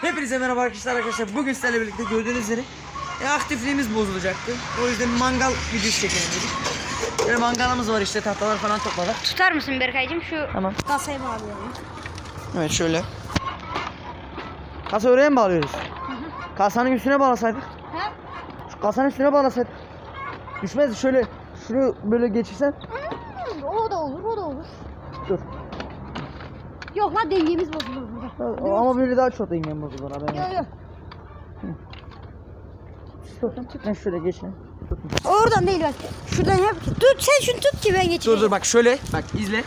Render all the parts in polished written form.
Hepinize merhaba arkadaşlar. Bugün sizlerle birlikte gördüğünüz üzere aktifliğimiz bozulacaktı. O yüzden mangal videosu çekelim dedik. Böyle mangalımız var işte, tahtalar falan topladık. Tutar mısın Berkaycığım şu kasayı bağlayalım. Evet şöyle. Kasa oraya mı bağlıyoruz? Kasanın üstüne bağlasaydık. He? Şu kasanın üstüne bağlasaydık. Düşmez, şöyle şunu böyle geçirsen. O da olur. Dur. Yok lan dengemiz bozulur burada. Ama böyle daha çok dengem bozulur haberin. Yok. Tut. Ben şöyle geçeyim. Oradan değil bak. Şuradan yap. Tut sen şunu tut ki ben geçeyim. Dur bak şöyle. Bak izle.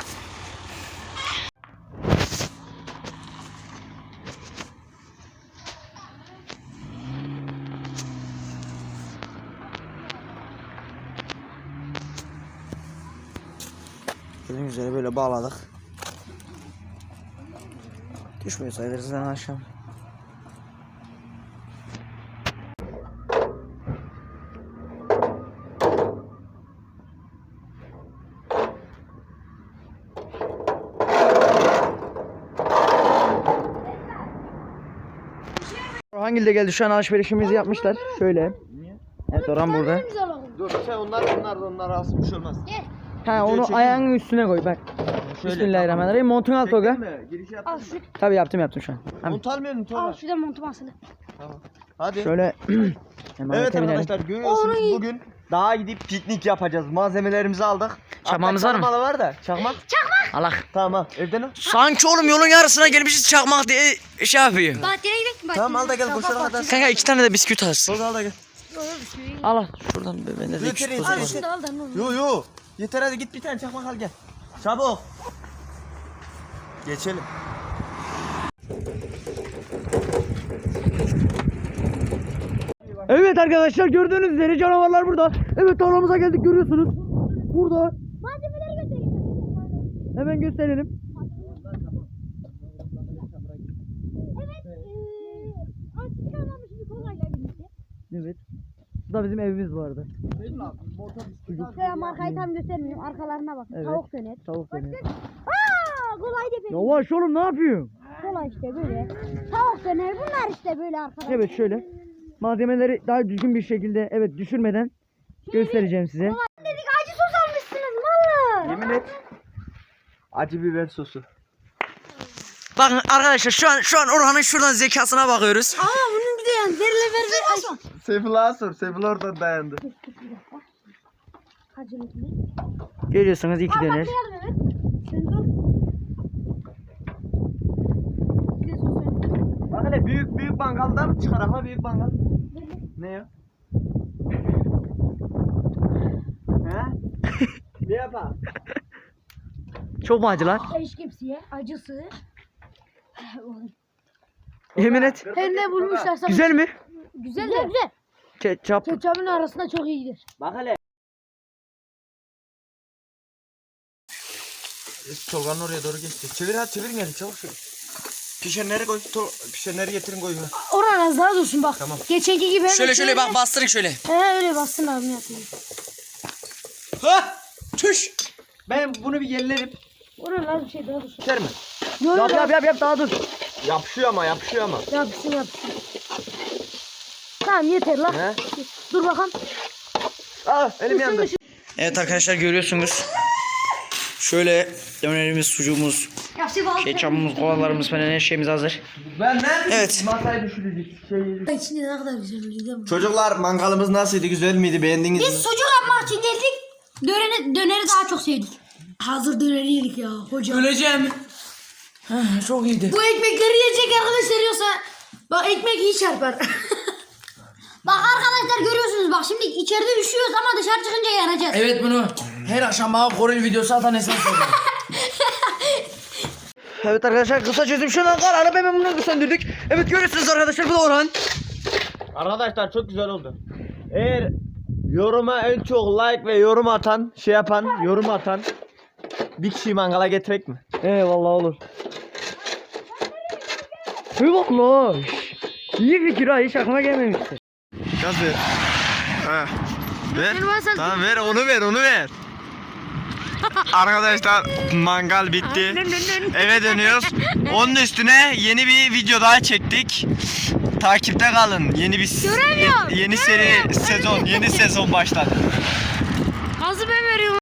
Gördüğünüz üzere böyle bağladık. Düşmüyor sayılırız lan aşağı. Orhan de geldi, şu an alışverişimizi yapmışlar. Şöyle. Evet, Orhan burada. Dur sen onlar alsın, bir şey olmaz. Gel. Ha, onu ayağının üstüne koy bak. Bismillahirrahmanirrahim. Montunu al Tolga. Girişi Al yaptın şu. mı? Tabii yaptım şu an. Hemen. Mont almıyorsun Tolga. Al şuradan montum asılı. Tamam. Hadi. Şöyle. Hemen Evet binelim. arkadaşlar, görüyorsunuz Oy. bugün dağa gidip piknik yapacağız. Malzemelerimizi aldık. Çakmağımız Hatta var mı? çakmağı var da. Çakmak. Allah. Tamam. Evden al. Sanki oğlum yolun yarısına gelmişiz, çakmak diye şey yapıyor. Bahçeye gidelim. Tamam, al da gel, koşarak hadi. Kanka 2 tane de bisküvit alsın. Tolga al da gel. Al şuradan ben de Yeter, küçük yeter, tozu var. yeter. Şunu da al da ne olur. Yo. Yeter, hadi git bir tane çakmak al gel. Çabuk. Geçelim. Evet arkadaşlar, gördüğünüz üzere canavarlar burada. Evet, tarlamıza geldik, görüyorsunuz. Burada. Malzemeleri göstereyim. Hemen gösterelim. Evet. Artık kalmamış bir kolayla birlikte. Evet. Bu da bizim evimiz vardı. Şöyle markayı tam göstermeyeyim. Arkalarına bak. Evet. Tavuk döner. Tavuk dönüyor. Kolay değil. Yavaş oğlum, ne yapıyorsun? Kolay işte böyle. Tavuk döner. Bunlar işte böyle arkadaşlar. Evet şöyle. Malzemeleri daha düzgün bir şekilde, evet, düşürmeden göstereceğim size. Dedik acı sos almışsınız mallar. Yemin et. Acı biber sosu. Bakın arkadaşlar, şu an Orhan'ın şuradan zekasına bakıyoruz. Aa bunun bir de yani ver. Seyfullah'a sor. Seyfullah oradan dayandı. Acılıklı. Görüyorsunuz, 2 döner. Evet. Sen dur. Bir de sos ver. Bak hele, büyük mangaldan mı çıkar ama büyük mangal? Ne ya? He? Ne yapalım? Çok mu acı lan? Eşkepsiye acısı. Yemin et. Her ne bulmuşlar sana. Güzel mi? Güzel. Güzel. Ketçap. Ketçapın arasında çok iyidir. Bak hele. Tolga'nın oraya doğru geçti. Çevir hadi, çevirin yani, çabuk şöyle. Pişenleri koy. Pişenleri getirin, koy. Orhan az daha dursun bak. Tamam. Geçenki gibi. Şöyle bak, bastırın şöyle. He öyle bassın abi yapayım. Ha! Tüş! Ben bunu bir yerlerim. Orhan az bir şey daha dursun. Yeter mi? Yok Yap daha dur. Yapışıyor ama. Yapsın. Tamam yeter lan. He? Dur bakalım. Aa, elim yandı. Evet arkadaşlar, görüyorsunuz. Şöyle dönerimiz, sucuğumuz, ketçapımız, kolalarımız falan, her şeyimiz hazır. Ben nerede? Evet. Masayı düşürecek. İçinde ne kadar güzel değil mi? Çocuklar, mangalımız nasıldı? Güzel miydi? Beğendiniz mi? Biz sucuk yapmak için geldik. Döneri daha çok sevdik. Hazır döneri yedik ya hocam. Öleceğim. Çok iyiydi. Bu ekmekleri yiyecek arkadaşlar yoksa bak ekmek iyi çarpar. Bak arkadaşlar görüyorsunuz, bak şimdi içeride üşüyoruz ama dışarı çıkınca yanacağız. Evet, bunu her akşam bana goril videosu atan esas oluyor. Evet arkadaşlar, kısa çözüm şundan kararı hemen bunu söndürdük. Evet, görüyorsunuz arkadaşlar, bu da Orhan. Arkadaşlar çok güzel oldu. Eğer yoruma en çok like ve yorum atan, yorum atan bir kişiyi mangala getirek mi? Eyvallah, olur. Eyvallah. İyi fikir ha, hiç aklıma gelmemişti. Gaz ver. Ha. Ver. Tamam ver, onu ver. Arkadaşlar mangal bitti. Eve dönüyoruz. Onun üstüne yeni bir video daha çektik. Takipte kalın. Yeni bir Göremiyorum, yeni seri göremiyorum. sezon, yeni sezon başladı. Gazı ben veriyorum.